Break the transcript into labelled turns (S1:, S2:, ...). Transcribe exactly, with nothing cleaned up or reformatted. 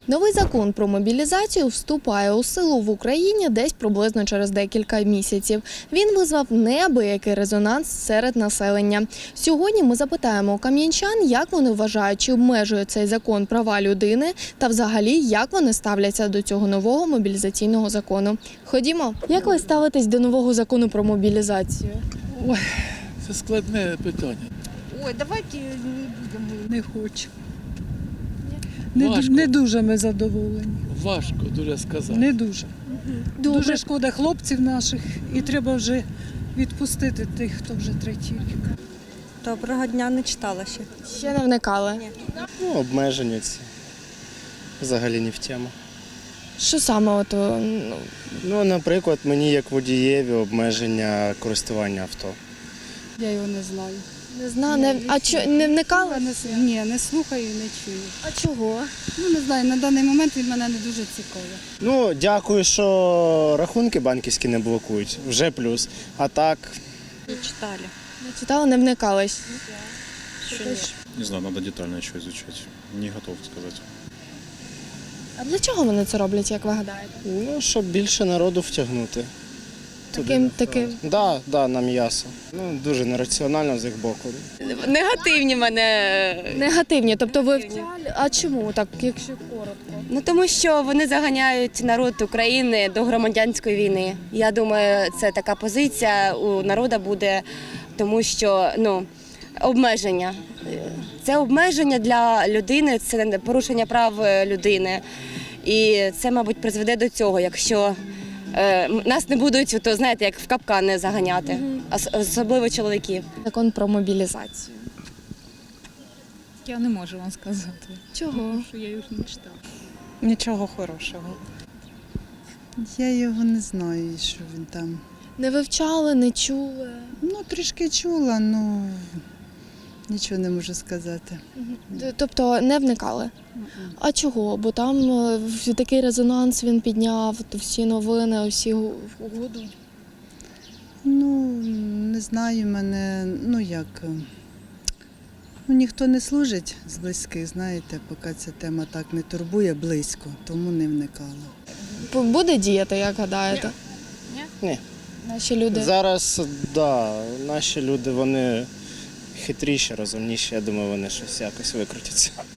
S1: Новий закон про мобілізацію вступає у силу в Україні десь приблизно через декілька місяців. Він визвав неабиякий резонанс серед населення. Сьогодні ми запитаємо у кам'янчан, як вони вважають, чи обмежує цей закон права людини та взагалі, як вони ставляться до цього нового мобілізаційного закону. Ходімо. Як ви ставитесь до нового закону про мобілізацію?
S2: Ой, це складне питання.
S3: Ой, давайте не будемо.
S4: Не хочу. Не,
S2: Важко.
S4: не дуже ми задоволені.
S2: Важко дуже сказати.
S4: Не дуже.
S1: Добре.
S4: Дуже шкода хлопців наших і треба вже відпустити тих, хто вже третій рік.
S5: Доброго дня, не читала ще.
S1: Ще не вникали.
S6: Ну, обмеження ці. Взагалі не в тему.
S1: Що саме от, ну,
S6: Ну, наприклад, мені як водієві обмеження користування авто.
S7: Я його не знаю.
S1: не знаю, не, а чо, не вникали?
S7: Я не, с- ні, не слухаю і не чую.
S1: А чого?
S7: Ну, не знаю, на даний момент він мене не дуже цікавий.
S6: Ну, дякую, що рахунки банківські не блокують. Вже плюс. А так,
S5: Не читали.
S1: Не читали, не вникали.
S8: Не знаю, надо детально еще изучать. Не готов сказать.
S1: А для чого вони це роблять, як ви гадаєте?
S6: ну, щоб більше народу втягнути. туди,
S1: Таким,
S6: на
S1: таким.
S6: фронт. Да, да, на м'ясо. Ну, дуже нераціонально з їх боку.
S9: Негативні мене.
S1: Негативні, тобто ви втягли. А чому так, якщо коротко?
S9: Ну тому що вони заганяють народ України до громадянської війни. Я думаю, це така позиція у народу буде, тому що ну обмеження. Це обмеження для людини, це порушення прав людини. І це, мабуть, призведе до цього, якщо е, нас не будуть, то знаєте, як в капкани заганяти, ос- особливо чоловіків.
S1: Закон про мобілізацію.
S10: Я не можу вам сказати,
S1: Чого?
S10: що я його не читала.
S5: Нічого хорошого.
S3: Я його не знаю, що він там.
S1: Не вивчали, не чули.
S3: Ну, трішки чула, ну нічого не можу сказати.
S1: Т- Тобто не вникали. А чого? Бо там е, в- такий резонанс він підняв, то всі новини, всі гу- гудуть.
S3: Ну, не знаю, мене, ну як. е, Ну, ніхто не служить з близьких, знаєте, поки ця тема так не турбує близько, тому не вникала.
S1: Бу- Буде діяти, як гадаєте?
S6: Ні.
S1: Наші люди.
S6: Зараз, да, наші люди, вони хитріші, розумніші. Я думаю, вони щось якось викрутяться.